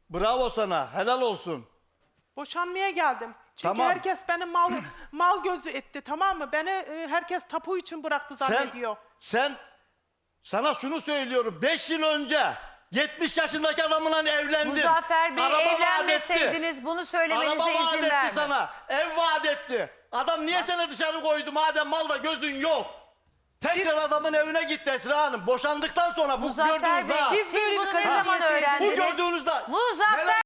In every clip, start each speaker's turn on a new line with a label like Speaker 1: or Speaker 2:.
Speaker 1: Bravo sana. Helal olsun.
Speaker 2: Boşanmaya geldim. Çünkü
Speaker 1: Tamam.
Speaker 2: herkes beni mal gözü etti, tamam mı? Beni herkes tapu için bıraktı zannediyor.
Speaker 1: Sana şunu söylüyorum. 5 yıl önce 70 yaşındaki adamla evlendin.
Speaker 3: Muzaffer Bey,
Speaker 1: Araba vaat etti.
Speaker 3: evlenmeseydiniz bunu söylemenize
Speaker 1: Araba vaat
Speaker 3: izin
Speaker 1: etti
Speaker 3: vermem.
Speaker 1: sana. Ev vaat etti. Adam niye seni dışarı koydu madem malda gözün yok? Tekrar adamın evine gitti Esra Hanım. Boşandıktan sonra bu
Speaker 3: Muzaffer
Speaker 1: gördüğünüz
Speaker 3: Bey,
Speaker 1: ha.
Speaker 3: siz
Speaker 4: böyle
Speaker 3: bunu
Speaker 4: bir
Speaker 3: ne
Speaker 4: kadın
Speaker 3: zaman
Speaker 4: diye
Speaker 3: öğrendiniz?
Speaker 1: Bu gördüğünüz ha.
Speaker 3: Muzaffer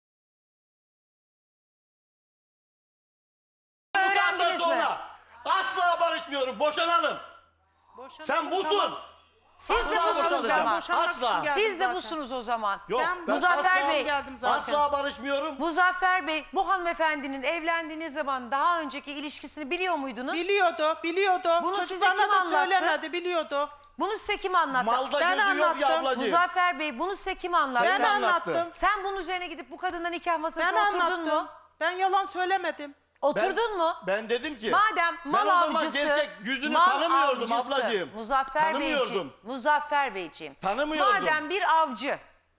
Speaker 1: Bu saatten
Speaker 3: öğrendiniz mi?
Speaker 1: sonra asla barışmıyorum. Boşanalım.
Speaker 2: Boşandım,
Speaker 1: Sen busun.
Speaker 2: tamam.
Speaker 3: Siz de
Speaker 1: Asla
Speaker 3: busunuz
Speaker 1: boşanacağım.
Speaker 3: ama.
Speaker 2: Boşanmak
Speaker 1: Asla.
Speaker 2: için geldim
Speaker 3: Siz de
Speaker 2: zaten.
Speaker 3: busunuz o zaman.
Speaker 1: Yok,
Speaker 2: Ben
Speaker 3: Muzaffer
Speaker 1: asla,
Speaker 3: Bey,
Speaker 2: geldim zaten.
Speaker 1: asla barışmıyorum.
Speaker 3: Muzaffer Bey, bu hanımefendinin evlendiğiniz zaman daha önceki ilişkisini biliyor muydunuz?
Speaker 2: Biliyordu.
Speaker 3: Bunu size
Speaker 2: Çocuklarına
Speaker 3: kim
Speaker 2: da
Speaker 3: anlattı?
Speaker 2: söylemedi, biliyordu.
Speaker 3: Bunu size kim anlattı?
Speaker 1: Malda
Speaker 2: Ben
Speaker 1: gözü yok ya
Speaker 2: anlattım.
Speaker 1: ablacığım.
Speaker 3: Muzaffer Bey, bunu size kim anlattı?
Speaker 2: Ben
Speaker 1: anlattın.
Speaker 2: anlattım.
Speaker 3: Sen bunun üzerine gidip bu kadınla nikah masasına
Speaker 2: Ben
Speaker 3: oturdun
Speaker 2: anlattım.
Speaker 3: mu?
Speaker 2: Ben yalan söylemedim.
Speaker 3: Oturdun mu?
Speaker 1: Ben dedim ki.
Speaker 3: Madem mal
Speaker 1: ben o zaman
Speaker 3: avcısı,
Speaker 1: gerçek yüzünü
Speaker 3: mal
Speaker 1: tanımıyordum
Speaker 3: avcısı,
Speaker 1: ablacığım.
Speaker 3: Muzaffer Beyciğim,
Speaker 1: Tanımıyordum.
Speaker 3: Muzaffer Beyciğim.
Speaker 1: Tanımıyordum.
Speaker 3: Madem bir avcı,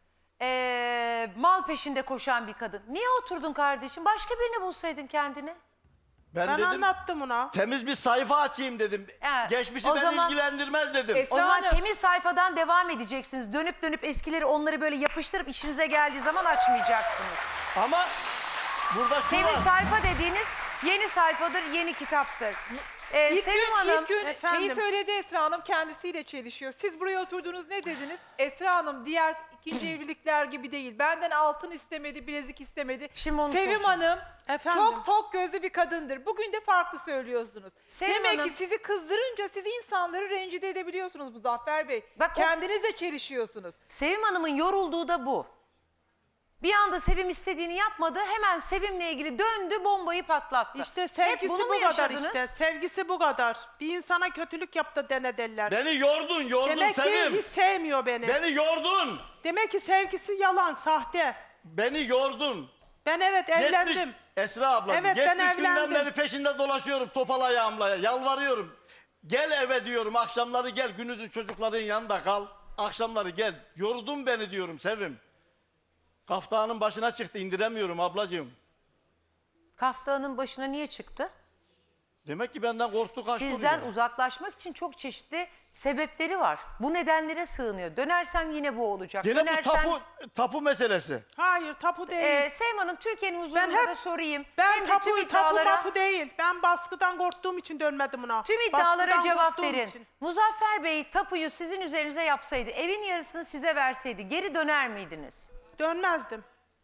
Speaker 3: mal peşinde koşan bir kadın, niye oturdun kardeşim? Başka birini bulsaydın kendine.
Speaker 1: Ben
Speaker 2: Ben
Speaker 1: dedim
Speaker 2: anlattım ona.
Speaker 1: temiz bir sayfa açayım dedim.
Speaker 3: Evet,
Speaker 1: Geçmişi
Speaker 3: o
Speaker 1: beni
Speaker 3: zaman-
Speaker 1: ilgilendirmez dedim.
Speaker 4: Esra
Speaker 3: O zaman
Speaker 4: Hanım.
Speaker 3: temiz sayfadan devam edeceksiniz. Dönüp dönüp eskileri onları böyle yapıştırıp işinize geldiği zaman açmayacaksınız.
Speaker 1: Ama burada şu
Speaker 3: Temiz
Speaker 1: var.
Speaker 3: sayfa dediğiniz yeni sayfadır, yeni kitaptır. Sevim Hanım,
Speaker 4: İlk gün
Speaker 2: Efendim?
Speaker 4: şeyi söyledi Esra Hanım, kendisiyle çelişiyor. Siz buraya oturdunuz, ne dediniz? Esra Hanım diğer ikinci evlilikler gibi değil. Benden altın istemedi, bilezik istemedi.
Speaker 3: Şimdi onu
Speaker 4: Sevim
Speaker 3: soracağım.
Speaker 4: Hanım
Speaker 2: Efendim?
Speaker 4: çok tok gözlü bir kadındır. Bugün de farklı söylüyorsunuz.
Speaker 3: Sevim
Speaker 4: Demek
Speaker 3: Hanım-
Speaker 4: ki sizi kızdırınca siz insanları rencide edebiliyorsunuz Muzaffer Bey.
Speaker 3: Bak o-
Speaker 4: Kendinizle çelişiyorsunuz.
Speaker 3: Sevim Hanım'ın yorulduğu da bu. Bir anda Sevim istediğini yapmadı, hemen Sevim'le ilgili döndü, bombayı patlattı.
Speaker 2: İşte
Speaker 3: Hep
Speaker 2: sevgisi
Speaker 3: bunu mu
Speaker 2: bu kadar
Speaker 3: yaşadınız?
Speaker 2: işte. Sevgisi bu kadar. Bir insana kötülük yaptı dene derler.
Speaker 1: Beni yordun
Speaker 2: Demek ki
Speaker 1: Sevim.
Speaker 2: hiç sevmiyor beni.
Speaker 1: Beni yordun.
Speaker 2: Demek ki sevgisi yalan, sahte.
Speaker 1: Beni yordun.
Speaker 2: Ben evet evlendim.
Speaker 1: Esra abla,
Speaker 2: Evet,
Speaker 1: 70
Speaker 2: ben
Speaker 1: günden
Speaker 2: evlendim.
Speaker 1: beri peşinde dolaşıyorum topal ayağımla. Yalvarıyorum. Gel eve diyorum, akşamları gel, gündüzün çocukların yanında kal. Akşamları gel. Yordun beni diyorum Sevim. Kaftanın başına çıktı, indiremiyorum ablacığım.
Speaker 3: Kaftanın başına niye çıktı?
Speaker 1: Demek ki benden korktu, kaçtı.
Speaker 3: Sizden
Speaker 1: oraya.
Speaker 3: uzaklaşmak için çok çeşitli sebepleri var. Bu nedenlere sığınıyor. Dönersem yine bu olacak.
Speaker 1: Gene bu
Speaker 3: Dönersem...
Speaker 1: tapu meselesi.
Speaker 2: Hayır, tapu değil.
Speaker 3: Sevim Hanım, Türkiye'nin huzurunda
Speaker 2: hep-
Speaker 3: da sorayım.
Speaker 2: Ben
Speaker 3: Hem de tüm iddialara,
Speaker 2: tapu değil. Ben baskıdan korktuğum için dönmedim ona.
Speaker 3: tüm iddialara
Speaker 2: Baskıdan
Speaker 3: cevap
Speaker 2: korktuğum
Speaker 3: verin.
Speaker 2: için.
Speaker 3: Muzaffer Bey tapuyu sizin üzerinize yapsaydı, evin yarısını size verseydi geri döner miydiniz?
Speaker 2: Dönmezdim.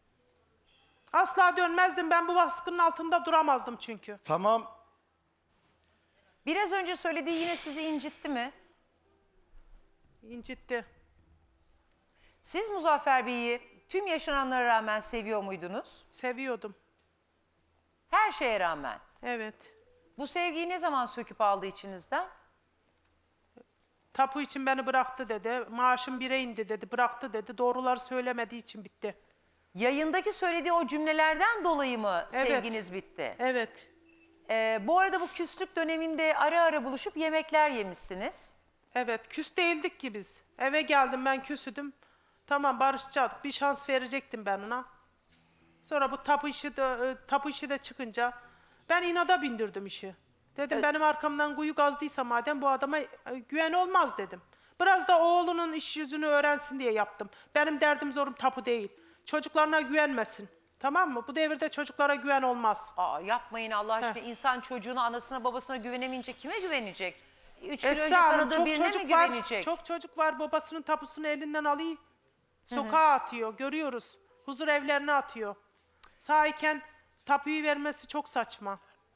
Speaker 2: Asla dönmezdim. Ben bu baskının altında duramazdım çünkü.
Speaker 1: Tamam.
Speaker 3: Biraz önce söylediği yine sizi incitti mi?
Speaker 2: İncitti.
Speaker 3: Siz Muzaffer Bey'i tüm yaşananlara rağmen seviyor muydunuz?
Speaker 2: Seviyordum.
Speaker 3: Her şeye rağmen.
Speaker 2: Evet.
Speaker 3: Bu sevgiyi ne zaman söküp aldı içinizden?
Speaker 2: Tapu için beni bıraktı dedi. Maaşım 1'e indi dedi. Bıraktı dedi. Doğruları söylemediği için bitti.
Speaker 3: Yayındaki söylediği o cümlelerden dolayı mı
Speaker 2: Evet.
Speaker 3: sevginiz bitti?
Speaker 2: Evet.
Speaker 3: Bu arada bu küslük döneminde ara ara buluşup yemekler yemişsiniz.
Speaker 2: Evet. Küs değildik ki biz. Eve geldim, ben küsüdüm. Tamam, barışacaktık. Bir şans verecektim ben ona. Sonra bu tapu işi de çıkınca ben inada bindirdim işi. Dedim benim arkamdan kuyu kazdıysa madem bu adama güven olmaz dedim. Biraz da oğlunun iş yüzünü öğrensin diye yaptım. Benim derdim zorum tapu değil. Çocuklarına güvenmesin. Tamam mı? Bu devirde çocuklara güven olmaz.
Speaker 3: Aa, yapmayın Allah aşkına. İnsan çocuğuna, anasına, babasına güvenemeyince kime güvenecek? 3 gün önce
Speaker 2: Esra Hanım,
Speaker 3: tanıdığı
Speaker 2: çok
Speaker 3: birine mi
Speaker 2: çocuk var.
Speaker 3: güvenecek?
Speaker 2: Çok çocuk var, babasının tapusunu elinden alıyor. Sokağa atıyor, görüyoruz. Huzur evlerine atıyor. Sağ tapuyu vermesi çok saçma.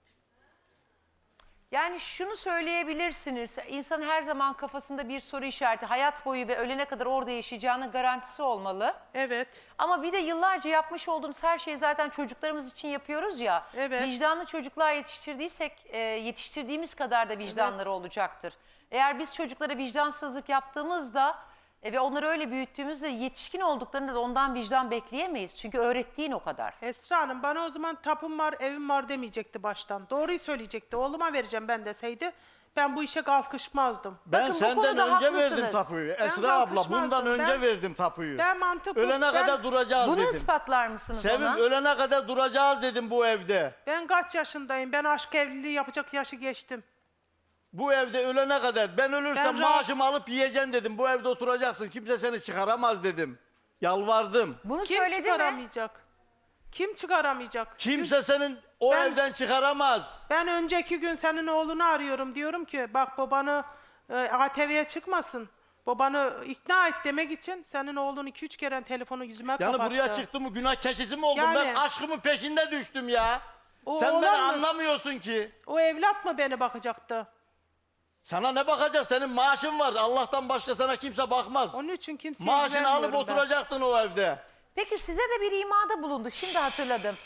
Speaker 3: Yani şunu söyleyebilirsiniz. İnsan her zaman kafasında bir soru işareti, hayat boyu ve ölene kadar orada yaşayacağının garantisi olmalı.
Speaker 2: Evet.
Speaker 3: Ama bir de yıllarca yapmış olduğumuz her şeyi zaten çocuklarımız için yapıyoruz ya.
Speaker 2: Evet.
Speaker 3: Vicdanlı çocuklar yetiştirdiysek yetiştirdiğimiz kadar da vicdanları olacaktır. Eğer biz çocuklara vicdansızlık yaptığımızda ve onları öyle büyüttüğümüzde yetişkin olduklarında da ondan vicdan bekleyemeyiz. Çünkü öğrettiğin o kadar.
Speaker 2: Esra Hanım bana o zaman tapum var, evim var demeyecekti baştan. Doğruyu söyleyecekti. Oğluma vereceğim ben deseydi. ben bu işe kalkışmazdım.
Speaker 1: Ben
Speaker 3: Bakın bu
Speaker 1: senden
Speaker 3: konuda
Speaker 1: önce verdim
Speaker 3: haklısınız.
Speaker 1: tapuyu.
Speaker 2: Ben
Speaker 1: Esra abla
Speaker 2: kalkışmazdım.
Speaker 1: bundan önce
Speaker 2: Ben-
Speaker 1: verdim tapuyu.
Speaker 2: Ben mantıklı.
Speaker 1: Ölene kadar duracağız
Speaker 3: Bunu
Speaker 1: dedim.
Speaker 3: ispatlar mısınız
Speaker 1: Sevim
Speaker 3: ona?
Speaker 1: ölene kadar duracağız dedim bu evde.
Speaker 2: Ben kaç yaşındayım? Ben aşk evliliği yapacak yaşı geçtim.
Speaker 1: Bu evde ölene kadar ben ölürsem
Speaker 2: Ben rahat-
Speaker 1: maaşımı alıp yiyeceksin dedim. Bu evde oturacaksın. Kimse seni çıkaramaz dedim. Yalvardım.
Speaker 3: Bunu
Speaker 2: Kim
Speaker 3: söyledi mi?
Speaker 2: çıkaramayacak? Kim çıkaramayacak?
Speaker 1: Kimse senin o
Speaker 2: Ben-
Speaker 1: evden çıkaramaz.
Speaker 2: Ben önceki gün senin oğlunu arıyorum. Diyorum ki bak babanı ATV'ye çıkmasın. Babanı ikna et demek için senin oğlun 2-3 kere telefonu yüzüme
Speaker 1: Yani
Speaker 2: kapattı.
Speaker 1: buraya çıktım mı günah keçisi mi oldum?
Speaker 2: Yani-
Speaker 1: Ben aşkımın peşinde düştüm ya.
Speaker 2: O
Speaker 1: Sen beni
Speaker 2: olamaz.
Speaker 1: anlamıyorsun ki.
Speaker 2: O evlat mı beni bakacaktı?
Speaker 1: Sana ne bakacak? Senin maaşın var. Allah'tan başka sana kimse bakmaz.
Speaker 2: Onun için kimseye
Speaker 1: Maaşını alıp
Speaker 2: güvenmiyorum ben.
Speaker 1: oturacaktın o evde.
Speaker 3: Peki size de bir imada bulundu. Şimdi hatırladım.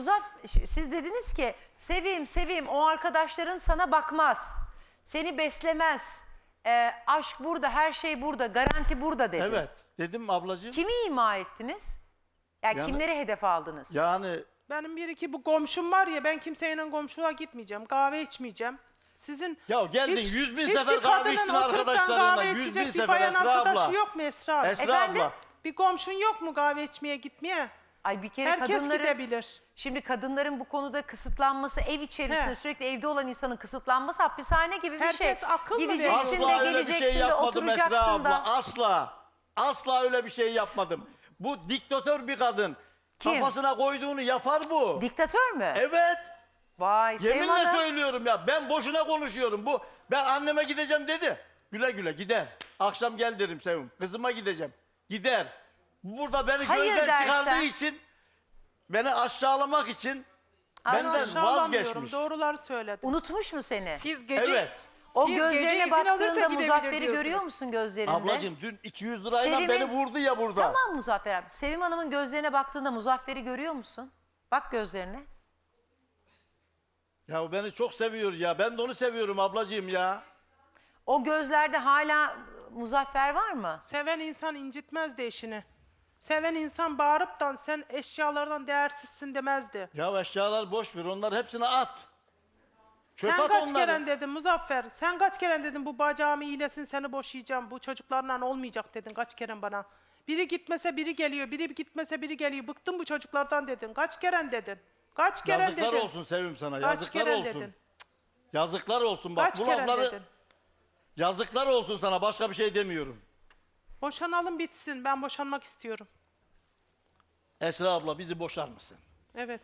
Speaker 3: Siz dediniz ki Sevim o arkadaşların sana bakmaz. Seni beslemez. Aşk burada, her şey burada, garanti burada dedi.
Speaker 1: Evet. Dedim ablacığım.
Speaker 3: Kimi ima ettiniz? Yani kimleri hedef aldınız?
Speaker 1: Yani
Speaker 2: Benim bir iki bu komşum var ya, ben kimseyle komşuluğa gitmeyeceğim. Kahve içmeyeceğim. Sizin
Speaker 1: Ya geldin, 100.000 sefer
Speaker 2: hiçbir
Speaker 1: kahve
Speaker 2: kadının
Speaker 1: içtin
Speaker 2: oturup da
Speaker 1: arkadaşlarınla,
Speaker 2: kahve
Speaker 1: 100.000
Speaker 2: içecek bir
Speaker 1: sefer
Speaker 2: bayan
Speaker 1: Esra
Speaker 2: arkadaşı
Speaker 1: abla.
Speaker 2: yok mu Esra abla?
Speaker 1: Esra
Speaker 3: Efendim?
Speaker 1: abla.
Speaker 2: Bir komşun yok mu kahve içmeye gitmeye?
Speaker 3: Ay bir kere
Speaker 2: Herkes
Speaker 3: kadınların...
Speaker 2: gidebilir.
Speaker 3: Şimdi kadınların bu konuda kısıtlanması, ev içerisinde
Speaker 2: He.
Speaker 3: sürekli evde olan insanın kısıtlanması hapishane gibi bir şey.
Speaker 2: Herkes akıl mı
Speaker 3: Gideceksin
Speaker 2: veriyor?
Speaker 3: de
Speaker 1: Asla öyle bir
Speaker 3: geleceksin
Speaker 1: şey
Speaker 3: de
Speaker 1: yapmadım Esra
Speaker 3: oturacaksın
Speaker 1: abla.
Speaker 3: da.
Speaker 1: Asla. Asla öyle bir şey yapmadım. Bu diktatör bir kadın.
Speaker 3: Kim?
Speaker 1: Kafasına koyduğunu yapar bu.
Speaker 3: Diktatör mü?
Speaker 1: Evet.
Speaker 3: Vay Sevim
Speaker 1: Yeminle
Speaker 3: Hanım.
Speaker 1: söylüyorum ya. Ben boşuna konuşuyorum. Ben anneme gideceğim dedi. Güle güle gider. Akşam gel derim Sevim. Kızıma gideceğim. Gider. Burada beni
Speaker 3: Hayır
Speaker 1: gözden
Speaker 3: dersen.
Speaker 1: çıkardığı için, beni aşağılamak için
Speaker 3: Ay,
Speaker 1: benden
Speaker 2: Aşağılamıyorum,
Speaker 1: vazgeçmiş.
Speaker 2: doğruları söyledim.
Speaker 3: Unutmuş mu seni?
Speaker 4: Siz gece
Speaker 1: Evet.
Speaker 3: O
Speaker 4: siz gece
Speaker 3: gözlerine
Speaker 4: izin alırsa
Speaker 3: baktığında
Speaker 4: gidebilir
Speaker 3: Muzaffer'i
Speaker 4: diyorsunuz.
Speaker 3: görüyor musun gözlerinde?
Speaker 1: Ablacığım dün 200 lirayla
Speaker 3: Sevim'in-
Speaker 1: beni vurdu ya burada.
Speaker 3: Tamam Muzaffer abi. Sevim Hanım'ın gözlerine baktığında Muzaffer'i görüyor musun? Bak gözlerine.
Speaker 1: Ya beni çok seviyor ya. Ben de onu seviyorum ablacığım ya.
Speaker 3: O gözlerde hala Muzaffer var mı?
Speaker 2: Seven insan incitmezdi eşini. Seven insan bağırıp da sen eşyalardan değersizsin demezdi.
Speaker 1: Ya eşyalar boş ver. Onları hepsini at. Çöp
Speaker 2: Sen
Speaker 1: at
Speaker 2: kaç
Speaker 1: onları.
Speaker 2: kere dedin Muzaffer? Sen kaç kere dedin bu bacağım iyilesin seni boşayacağım. Bu çocuklarla olmayacak dedin kaç kere bana. Biri gitmese biri geliyor. Biri gitmese biri geliyor. Bıktım bu çocuklardan dedin. Kaç kere dedin? Kaç kere
Speaker 1: Yazıklar
Speaker 2: dedin?
Speaker 1: olsun Sevim sana.
Speaker 2: Kaç
Speaker 1: Yazıklar
Speaker 2: kere
Speaker 1: olsun.
Speaker 2: dedin?
Speaker 1: Yazıklar olsun bak
Speaker 2: Kaç
Speaker 1: bu
Speaker 2: kere
Speaker 1: lafları.
Speaker 2: dedin?
Speaker 1: Yazıklar olsun sana. Başka bir şey demiyorum.
Speaker 2: Boşanalım bitsin. Ben boşanmak istiyorum.
Speaker 1: Esra abla bizi boşar mısın?
Speaker 2: Evet.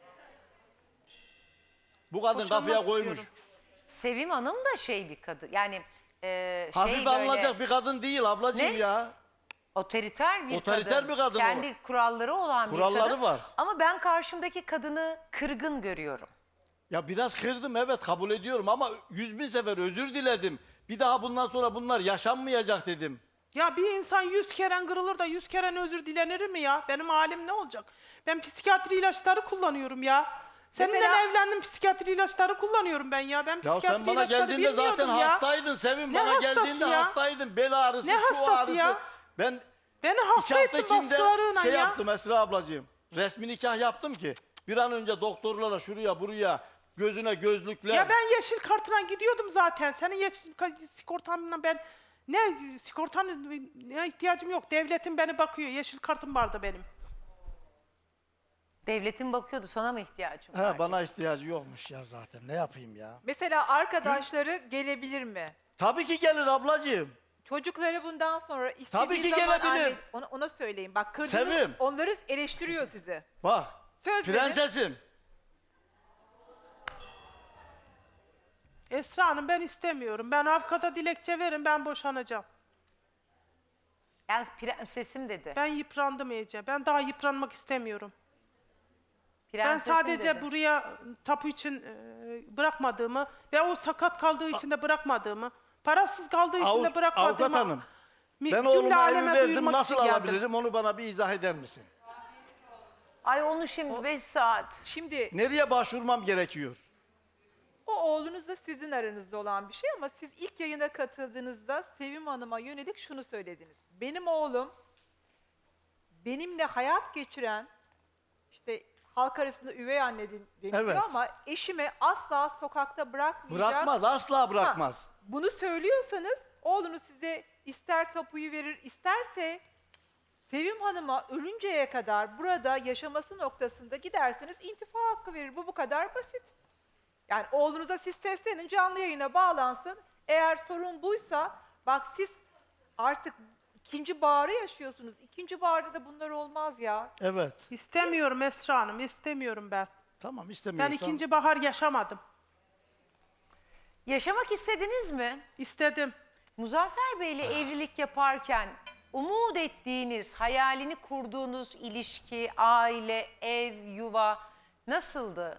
Speaker 1: Bu kadın
Speaker 2: Boşanmak
Speaker 1: kafaya koymuş.
Speaker 2: istiyorum.
Speaker 3: Sevim Hanım da şey bir kadın. Yani
Speaker 1: Hafif
Speaker 3: şey böyle
Speaker 1: alınacak bir kadın değil ablacığım
Speaker 3: Ne?
Speaker 1: ya.
Speaker 3: otoriter bir
Speaker 1: Otoriter
Speaker 3: kadın.
Speaker 1: bir kadın o.
Speaker 3: Kendi kuralları olan bir
Speaker 1: Kuralları
Speaker 3: kadın.
Speaker 1: var.
Speaker 3: Ama ben karşımdaki kadını kırgın görüyorum.
Speaker 1: Ya biraz kırdım evet kabul ediyorum ama 100.000 sefer özür diledim. Bir daha bundan sonra bunlar yaşanmayacak dedim.
Speaker 2: Ya bir insan 100 kere kırılır da 100 kere özür dilenir mi ya? Benim halim ne olacak? Ben psikiyatri ilaçları kullanıyorum ya. Seninle
Speaker 4: Mesela-
Speaker 2: evlendim psikiyatri ilaçları kullanıyorum ben ya. Ben
Speaker 1: Ya
Speaker 2: psikiyatri
Speaker 1: sen bana
Speaker 2: ilaçları
Speaker 1: geldiğinde zaten
Speaker 2: bilmiyordum ya.
Speaker 1: hastaydın Sevim.
Speaker 2: Ne
Speaker 1: Bana
Speaker 2: hastası
Speaker 1: geldiğinde
Speaker 2: ya?
Speaker 1: hastaydın. Bel ağrısı,
Speaker 2: Ne
Speaker 1: şu
Speaker 2: hastası
Speaker 1: ağrısı.
Speaker 2: ya?
Speaker 1: Ben
Speaker 2: Beni
Speaker 1: 2
Speaker 2: hasta
Speaker 1: hafta
Speaker 2: ettin
Speaker 1: içinde
Speaker 2: baskılarıyla
Speaker 1: şey
Speaker 2: ya.
Speaker 1: yaptım Esra ablacığım. Resmi nikah yaptım ki. Bir an önce doktorlara şuraya buraya gözüne gözlükler.
Speaker 2: Ya ben yeşil kartına gidiyordum zaten. Senin yeşil sigortanla ben ne sigortanın ne ihtiyacım yok. Devletin beni bakıyor. Yeşil kartım vardı benim.
Speaker 3: Devletin bakıyordu, sana mı ihtiyacın var?
Speaker 1: He, bana ihtiyacı yokmuş ya zaten. Ne yapayım ya?
Speaker 4: mesela arkadaşları gelebilir mi?
Speaker 1: Tabii ki gelir ablacığım.
Speaker 4: Çocukları bundan sonra istediği
Speaker 1: Tabii ki
Speaker 4: zaman
Speaker 1: gelebilir.
Speaker 4: ona söyleyin. Bak kırdınız,
Speaker 1: Sevim.
Speaker 4: onları eleştiriyor sizi.
Speaker 1: Bak.
Speaker 4: Söz verin.
Speaker 1: Prensesim.
Speaker 2: Esra Hanım ben istemiyorum. Ben avukata dilekçe verin ben boşanacağım.
Speaker 3: Yani prensesim dedi.
Speaker 2: Ben yıprandım iyice. Ben daha yıpranmak istemiyorum. Ben
Speaker 3: Prensesim
Speaker 2: sadece
Speaker 3: dedi.
Speaker 2: buraya tapu için bırakmadığımı ve o sakat kaldığı için de bırakmadığımı, parasız kaldığı için de bırakmadığımı
Speaker 1: Avukat hanım. Ben
Speaker 2: cümle
Speaker 1: oğluma evi
Speaker 2: aleme
Speaker 1: verdim.
Speaker 2: duyurmak
Speaker 1: Nasıl
Speaker 2: için geldim.
Speaker 1: alabilirim? Onu bana bir izah eder misin?
Speaker 3: Ay onu şimdi 5 saat.
Speaker 4: Şimdi
Speaker 1: Nereye başvurmam gerekiyor?
Speaker 4: o oğlunuzla sizin aranızda olan bir şey ama siz ilk yayına katıldığınızda Sevim Hanım'a yönelik şunu söylediniz. Benim oğlum benimle hayat geçiren, işte halk arasında üvey anne deniliyor
Speaker 1: Evet.
Speaker 4: ama eşime asla sokakta bırakmayacak.
Speaker 1: Bırakmaz, asla bırakmaz.
Speaker 4: Ha, bunu söylüyorsanız oğlunuz size ister tapuyu verir, isterse Sevim Hanım'a ölünceye kadar burada yaşaması noktasında giderseniz intifa hakkı verir. Bu kadar basit. Yani oğlunuza siz seslenin, canlı yayına bağlansın. Eğer sorun buysa, bak siz artık ikinci baharı yaşıyorsunuz. İkinci baharda da bunlar olmaz ya.
Speaker 1: Evet.
Speaker 2: İstemiyorum Esra Hanım, istemiyorum ben.
Speaker 1: Tamam
Speaker 2: Ben
Speaker 1: istemiyorsan.
Speaker 2: ikinci bahar yaşamadım.
Speaker 3: Yaşamak istediniz mi?
Speaker 2: İstedim.
Speaker 3: Muzaffer Bey'le evlilik yaparken umut ettiğiniz, hayalini kurduğunuz ilişki, aile, ev, yuva nasıldı?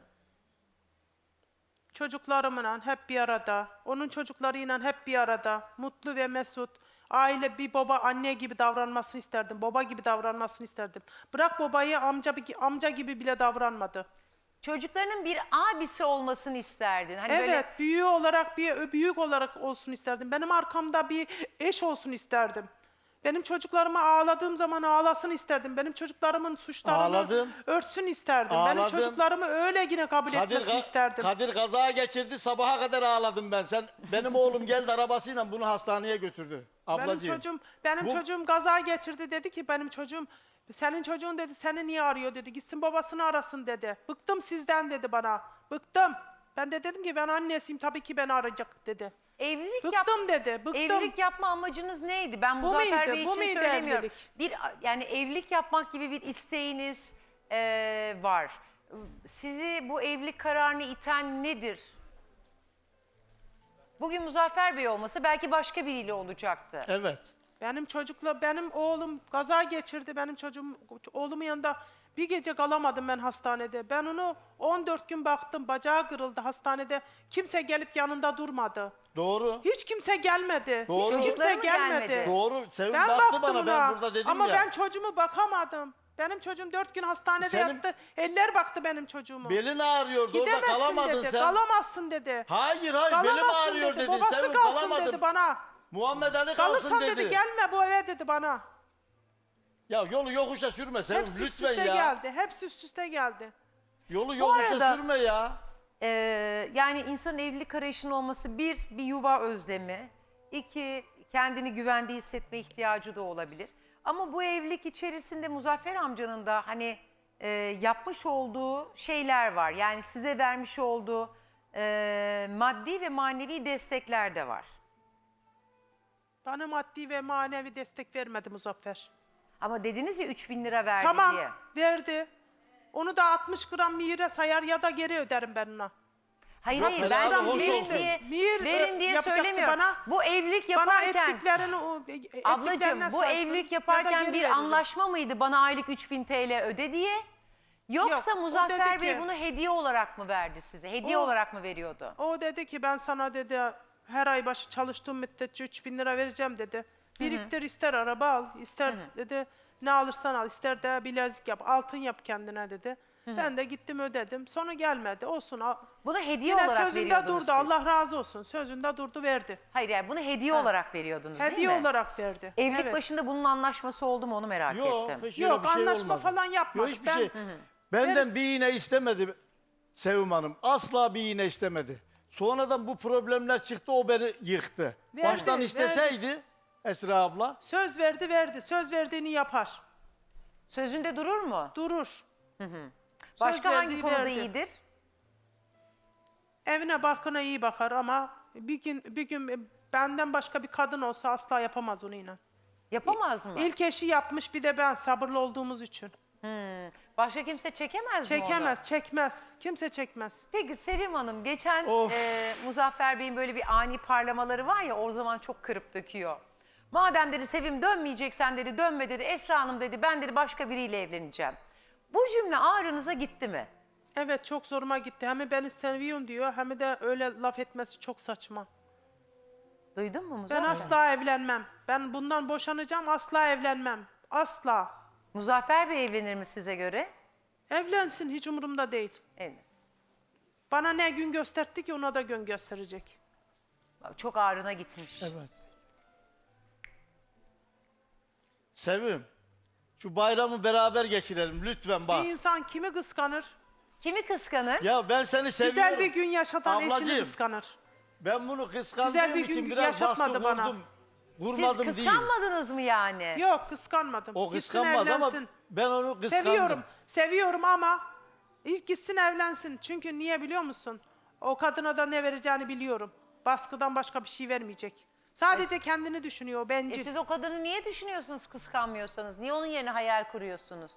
Speaker 2: Çocuklarımla hep bir arada, onun çocuklarıyla hep bir arada, mutlu ve mesut. Aile bir baba anne gibi davranmasını isterdim, baba gibi davranmasını isterdim. Bırak babayı amca gibi bile davranmadı.
Speaker 3: Çocuklarının bir abisi olmasını isterdin. Hani
Speaker 2: Evet,
Speaker 3: böyle
Speaker 2: büyük olarak olsun isterdim. Benim arkamda bir eş olsun isterdim. Benim çocuklarıma ağladığım zaman ağlasın isterdim. Benim çocuklarımın suçlarını
Speaker 1: Ağladım.
Speaker 2: örtsün isterdim. Benim
Speaker 1: Ağladım.
Speaker 2: çocuklarımı öyle yine kabul etmesini isterdim.
Speaker 1: Kadir kaza geçirdi, sabaha kadar ağladım ben. Benim oğlum geldi arabasıyla bunu hastaneye götürdü. Ablacığım.
Speaker 2: Benim
Speaker 1: Bu-
Speaker 2: çocuğum kaza geçirdi, dedi ki benim çocuğum, senin çocuğun dedi seni niye arıyor dedi, gitsin babasını arasın dedi. Bıktım sizden dedi bana, bıktım. Ben de dedim ki ben annesiyim, tabii ki beni arayacak dedi. Bıktım dedi, bıktım.
Speaker 3: Evlilik yapma amacınız neydi? Ben
Speaker 2: Bu
Speaker 3: Muzaffer
Speaker 2: muydu?
Speaker 3: Bey
Speaker 2: Bu
Speaker 3: için
Speaker 2: muydu
Speaker 3: söylemiyorum.
Speaker 2: evlilik?
Speaker 3: Yani evlilik yapmak gibi bir isteğiniz var. Sizi bu evlilik kararını iten nedir? Bugün Muzaffer Bey olmasa belki başka biriyle olacaktı.
Speaker 1: Evet.
Speaker 2: Benim oğlum kaza geçirdi, oğlumun yanında bir gece kalamadım ben hastanede. Ben onu 14 gün baktım, bacağı kırıldı hastanede. Kimse gelip yanında durmadı.
Speaker 1: Doğru.
Speaker 2: Hiç kimse gelmedi.
Speaker 1: Doğru.
Speaker 2: Hiç kimse
Speaker 3: Çocukları mı
Speaker 2: gelmedi.
Speaker 3: gelmedi?
Speaker 1: Doğru. Sevim
Speaker 2: Ben
Speaker 1: baktı
Speaker 2: baktım
Speaker 1: bana, ben
Speaker 2: ona.
Speaker 1: burada dedim
Speaker 2: Ama
Speaker 1: ya.
Speaker 2: ben çocuğumu bakamadım. Benim çocuğum 4 gün hastanede
Speaker 1: Senin-
Speaker 2: yattı. Eller baktı benim çocuğuma.
Speaker 1: Belin ağrıyordu, orada
Speaker 2: Gidemezsin
Speaker 1: kalamadın
Speaker 2: dedi.
Speaker 1: sen.
Speaker 2: Kalamazsın dedi.
Speaker 1: Hayır, belim
Speaker 2: Kalamazsın
Speaker 1: ağrıyor
Speaker 2: dedi.
Speaker 1: dedi.
Speaker 2: Babası
Speaker 1: Sevim
Speaker 2: kalsın
Speaker 1: kalamadım.
Speaker 2: dedi bana.
Speaker 1: Muhammed Ali kalsın
Speaker 2: Kalırsan
Speaker 1: dedi.
Speaker 2: dedi gelme bu eve dedi bana.
Speaker 1: Ya yolu yokuşa sürme Sevim,
Speaker 2: Hepsi üst
Speaker 1: lütfen
Speaker 2: üste
Speaker 1: ya.
Speaker 2: geldi. Hepsi üst üste geldi.
Speaker 1: Yolu yokuşa
Speaker 3: arada-
Speaker 1: sürme ya.
Speaker 3: Yani insanın evlilik arayışının olması bir yuva özlemi. İki, kendini güvende hissetme ihtiyacı da olabilir. Ama bu evlilik içerisinde Muzaffer amcanın da hani yapmış olduğu şeyler var. Yani size vermiş olduğu maddi ve manevi destekler de var.
Speaker 2: Bana maddi ve manevi destek vermedi Muzaffer.
Speaker 3: Ama dediniz ya 3.000 lira verdi
Speaker 2: Tamam
Speaker 3: diye.
Speaker 2: verdi. Onu da 60 gram mihire sayar ya da geri öderim ben ona.
Speaker 3: Hayır
Speaker 1: Yok,
Speaker 3: hayır,
Speaker 1: helal
Speaker 3: ben
Speaker 1: hoş
Speaker 3: siz verin
Speaker 1: olsun.
Speaker 3: diye,
Speaker 2: Mihir,
Speaker 3: verin diye
Speaker 2: yapacaktı
Speaker 3: söylemiyorum.
Speaker 2: bana.
Speaker 3: Bu evlilik
Speaker 2: Bana
Speaker 3: yaparken...
Speaker 2: ettiklerini
Speaker 3: Ablacığım
Speaker 2: ettiklerine
Speaker 3: bu
Speaker 2: saysın
Speaker 3: evlilik
Speaker 2: ya da
Speaker 3: yaparken
Speaker 2: geri
Speaker 3: bir
Speaker 2: veririm.
Speaker 3: anlaşma mıydı bana aylık 3.000 TL öde diye? Yoksa
Speaker 2: Yok, o
Speaker 3: Muzaffer
Speaker 2: dedi
Speaker 3: Bey
Speaker 2: ki-
Speaker 3: bunu hediye olarak mı verdi size? Hediye
Speaker 2: O-
Speaker 3: olarak mı veriyordu?
Speaker 2: O dedi ki ben sana dedi her ay başı çalıştığım müddetçe 3.000 lira vereceğim dedi. Biriktir, ister araba al, ister dedi ne alırsan al, ister de bilezik yap, altın yap kendine dedi. Ben de gittim ödedim. Sonra gelmedi. Olsun.
Speaker 3: Bunu hediye
Speaker 2: Yine
Speaker 3: olarak
Speaker 2: sözünde
Speaker 3: veriyordunuz
Speaker 2: durdu.
Speaker 3: siz.
Speaker 2: Allah razı olsun. Sözünde durdu, verdi.
Speaker 3: Hayır yani bunu hediye olarak veriyordunuz
Speaker 2: Hediye
Speaker 3: değil mi?
Speaker 2: olarak verdi.
Speaker 3: Evlilik
Speaker 2: Evet.
Speaker 3: başında bunun anlaşması oldu mu onu merak
Speaker 1: Yok,
Speaker 3: ettim.
Speaker 1: hiç öyle
Speaker 2: Yok,
Speaker 1: bir şey
Speaker 2: anlaşma
Speaker 1: olmadı.
Speaker 2: falan yapmadık.
Speaker 1: Yok, hiçbir
Speaker 2: Ben-
Speaker 1: şey. Benden
Speaker 2: Veririz.
Speaker 1: bir iğne istemedi Sevim Hanım. Asla bir iğne istemedi. Sonradan bu problemler çıktı, o beni yıktı.
Speaker 2: Verdi,
Speaker 1: Baştan isteseydi
Speaker 2: verdi.
Speaker 1: Esra abla,
Speaker 2: Söz verdi. Söz verdiğini yapar.
Speaker 3: Sözünde durur mu?
Speaker 2: Durur.
Speaker 3: Başka
Speaker 2: Söz
Speaker 3: hangi
Speaker 2: verdiği
Speaker 3: konuda
Speaker 2: verdi.
Speaker 3: iyidir?
Speaker 2: Evine barkına iyi bakar ama bir gün benden başka bir kadın olsa asla yapamaz onu inan.
Speaker 3: Yapamaz mı?
Speaker 2: İlk eşi yapmış, bir de ben sabırlı olduğumuz için.
Speaker 3: Başka kimse çekemez mi onu?
Speaker 2: Çekemez, çekmez. Kimse çekmez.
Speaker 3: Peki Sevim Hanım geçen
Speaker 1: Of.
Speaker 3: Muzaffer Bey'in böyle bir ani parlamaları var ya o zaman çok kırıp döküyor. Madem dedi Sevim dönmeyeceksen dedi dönme dedi Esra Hanım dedi ben dedi başka biriyle evleneceğim. Bu cümle ağrınıza gitti mi?
Speaker 2: Evet, çok zoruma gitti. Hem beni seviyorsun diyor hem de öyle laf etmesi çok saçma.
Speaker 3: Duydun mu
Speaker 2: Ben
Speaker 3: Muzaffer?
Speaker 2: asla evlenmem. Ben bundan boşanacağım, asla evlenmem. Asla.
Speaker 3: Muzaffer Bey evlenir mi size göre?
Speaker 2: Evlensin, hiç umurumda değil.
Speaker 3: Evet.
Speaker 2: Bana ne gün gösterdi ki ona da gün gösterecek.
Speaker 3: Bak, çok ağrına gitmiş.
Speaker 1: evet. Sevim, Şu bayramı beraber geçirelim lütfen bak.
Speaker 2: Bir insan kimi kıskanır?
Speaker 3: Kimi kıskanır?
Speaker 1: Ya ben seni seviyorum.
Speaker 2: Güzel bir gün yaşatan eşini
Speaker 1: Ablacığım,
Speaker 2: kıskanır.
Speaker 1: ben bunu kıskandığım
Speaker 2: Güzel bir gün
Speaker 1: için biraz baskı
Speaker 2: yaşatmadı bana.
Speaker 1: kurdum.
Speaker 3: Siz
Speaker 1: Vurmadım değil.
Speaker 3: kıskanmadınız mı yani?
Speaker 2: Yok kıskanmadım.
Speaker 1: O
Speaker 2: Gitsin
Speaker 1: kıskanmaz ama
Speaker 2: evlensin.
Speaker 1: ben onu kıskandım.
Speaker 2: Seviyorum ama ilk gitsin evlensin. Çünkü niye biliyor musun? O kadına da ne vereceğini biliyorum. Baskıdan başka bir şey vermeyecek. Sadece kendini düşünüyor, bencil.
Speaker 3: Siz o kadını niye düşünüyorsunuz kıskanmıyorsanız? Niye onun yerine hayal kuruyorsunuz?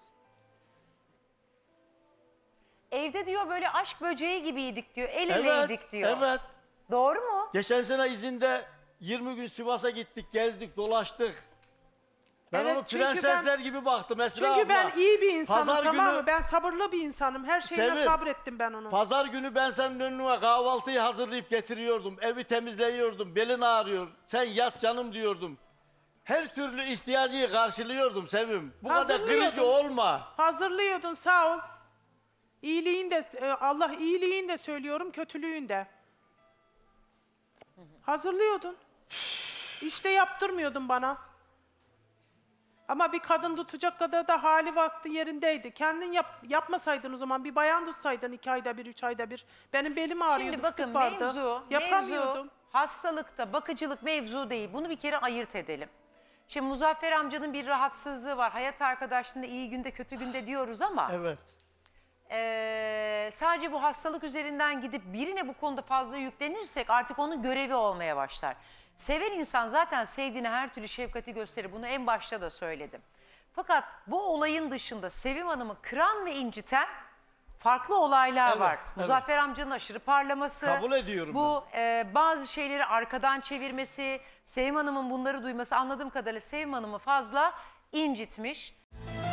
Speaker 3: Evde diyor böyle aşk böceği gibiydik diyor. El eleydik diyor.
Speaker 1: Evet.
Speaker 3: Doğru mu?
Speaker 1: Geçen sene izinde 20 gün Sivas'a gittik, gezdik, dolaştık. Ben
Speaker 2: Evet,
Speaker 1: onu
Speaker 2: çünkü
Speaker 1: prensesler gibi baktım Esra
Speaker 2: Çünkü
Speaker 1: abla.
Speaker 2: ben iyi bir insanım,
Speaker 1: Pazar
Speaker 2: tamam
Speaker 1: günü-
Speaker 2: mı? Ben sabırlı bir insanım. Her şeyine
Speaker 1: Sevim,
Speaker 2: sabrettim ben onu.
Speaker 1: Pazar günü ben senin önüne kahvaltıyı hazırlayıp getiriyordum. Evi temizleyiyordum. Belin ağrıyor. Sen yat canım diyordum. Her türlü ihtiyacı karşılıyordum Sevim. Bu kadar
Speaker 2: Hazırlıyordum.
Speaker 1: kırıcı olma.
Speaker 2: Hazırlıyordun, sağ ol. İyiliğin de, Allah iyiliğin de söylüyorum, kötülüğün de. Hazırlıyordun. İşte yaptırmıyordun bana. Ama bir kadın tutacak kadar da hali vakti yerindeydi. Kendin yapmasaydın o zaman, bir bayan tutsaydın 2 ayda bir, 3 ayda bir. Benim belim ağrıyordu,
Speaker 3: Şimdi bakın
Speaker 2: fıtık vardı.
Speaker 3: mevzu
Speaker 2: Yapamıyordum.
Speaker 3: hastalıkta bakıcılık mevzu değil. Bunu bir kere ayırt edelim. Şimdi Muzaffer amcanın bir rahatsızlığı var. Hayat arkadaşlığında iyi günde kötü günde diyoruz ama
Speaker 1: Evet.
Speaker 3: sadece bu hastalık üzerinden gidip birine bu konuda fazla yüklenirsek artık onun görevi olmaya başlar. Seven insan zaten sevdiğine her türlü şefkati gösterir. Bunu en başta da söyledim. Fakat bu olayın dışında Sevim Hanım'ı kıran ve inciten farklı olaylar
Speaker 1: Evet,
Speaker 3: var.
Speaker 1: evet.
Speaker 3: Muzaffer amcanın aşırı parlaması,
Speaker 1: Kabul ediyorum
Speaker 3: bu bazı şeyleri arkadan çevirmesi, Sevim Hanım'ın bunları duyması, anladığım kadarıyla Sevim Hanım'ı fazla incitmiş.